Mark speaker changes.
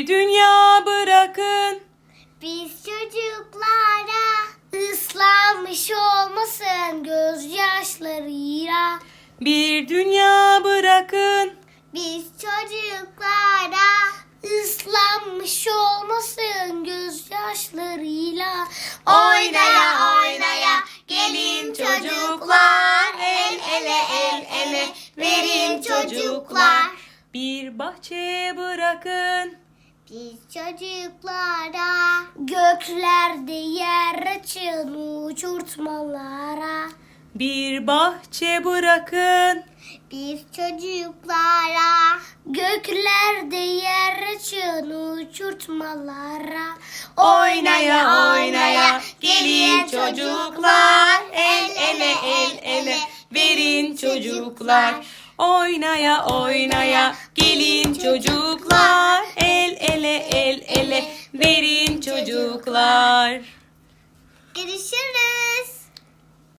Speaker 1: Bir dünya bırakın.
Speaker 2: Biz çocuklara ıslanmış olmasın gözyaşlarıyla.
Speaker 1: Bir dünya bırakın.
Speaker 2: Biz çocuklara ıslanmış olmasın gözyaşlarıyla.
Speaker 1: Oynaya oynaya gelin çocuklar. El ele el ele verin çocuklar. Bir bahçe bırakın.
Speaker 2: Biz çocuklara göklerde yer açın uçurtmalara.
Speaker 1: Bir bahçe bırakın.
Speaker 2: Biz çocuklara göklerde yer açın uçurtmalara.
Speaker 1: Oynaya oynaya gelin çocuklar. El ele el ele verin çocuklar. Oynaya oynaya gelin çocuklar. El ele el ele verin çocuklar.
Speaker 2: Görüşürüz.